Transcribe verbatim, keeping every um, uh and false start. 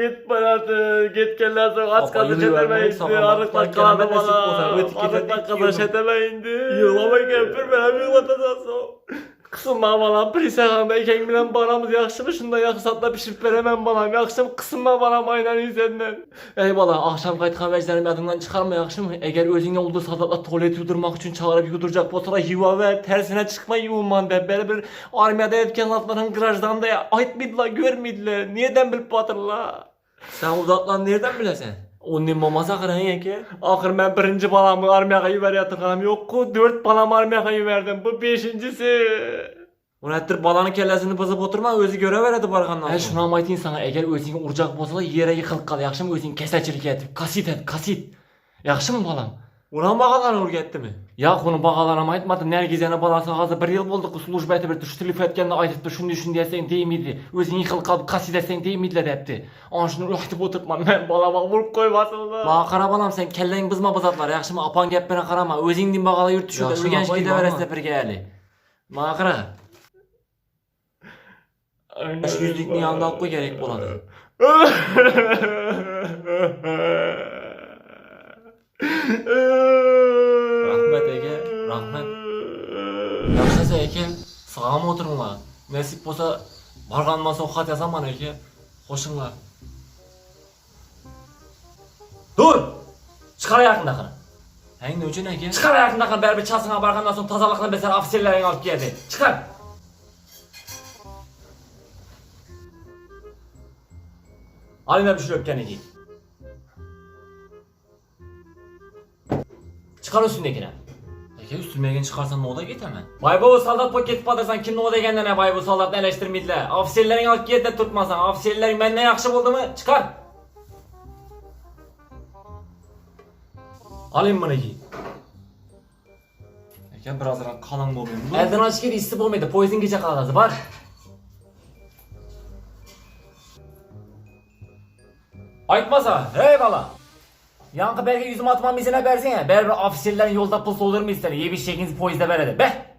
git bana git gel sonra aç kaldı çetemeyindi. Arıkla kaldı bana. Arıkla kaldı çetemeyindi. Yığlama kempir bana yığlatacaksın. Kısınma bana prisegandayken bilen baramız yakışımı şunda yakısatla pişirip veremem bana. Yakışım kısınma bana aynen senden. Eyvallah akşam kayıtkan veclerim yadından çıkarma yakışım. Eğer özünge olduğu sadatla tuvalet yudurmak için çağırıp yuduracak botura yuva ver. Tersine çıkma yuvan de. Böyle bir armiyada etken atların garajdan da ait midla görmediler. Niyeden bilip batırla? Sen uzatlan nereden bilesen? Onun mamasa kıran yeke. Akır ben birinci balamı armiyaya yuvar yatırganım yok ku. Dört balamı armiyaya yuverdim. Bu beşincisi. Urettir balanın kellesini bızıp oturma özü göre veredi barkandan. Ben şuna amaytayım sana. Eğer özünge urcak bozula yere yıkılıp kal. Yakışım özünge keseçilik et. Kasit et. Kasit. Yakışım mı balam? Ulan bakalan urgetti mi? Ya konu bağalarına aytmadı. Nergizene balası ağzı bir yıl buldu. Slujba eti bir düştülüp etkende aytıp şunu düşün diyesen değil miydi? Özün yıkılıp kalıp kasit etsen değil miydi depti. An şunu ruhtup oturtman. Ben balama vurup koymasın da. Bana kara balam sen kellen bızma bızatlar. Yakışım apan gepmene karama. Özün din bağala yurt düşüyor. Yakışım Örgenç apayım gide ama. veresine bir geyali. Bana kara. Beş yüzlük niye andak koy gerek buladı. Rahmet Ege, rahmet. Yakışasa Ege, sağa mı oturunla? Nasip olsa bargandan sokat yazaman Ege. Hoşunla. Dur! Çıkar ayakındakını. Hey ne ucu ne Ege? Çıkar ayakındakını beri bir çalsına bargandan sonra tazalıkla beser afisirlerin alıp geldi. Çıkar! Haline bir şey öpken Ege. Çıkar üstündekine. Ege üstüme çıkarsan ne oda git hemen. Vay bu saldat paket patırsan kim ne o degenden ne vay bu saldat eleştirmediler. Afisirlerin alıp geldi tutmasan. Afisirlerin benden yakşı buldu mu? Çıkar! Alayım bunu Ege. Ege birazdan kalın olayım. Elden açık yedi istip olmaydı. Poison gece kalası var. Aytmasa. Eyvallah. Yankı belki yüzüme atmam izine versene. Ber bir afisirlerin yolda pıls olur mu istedi. Yemiş şeklinizi poizde veredi. Be.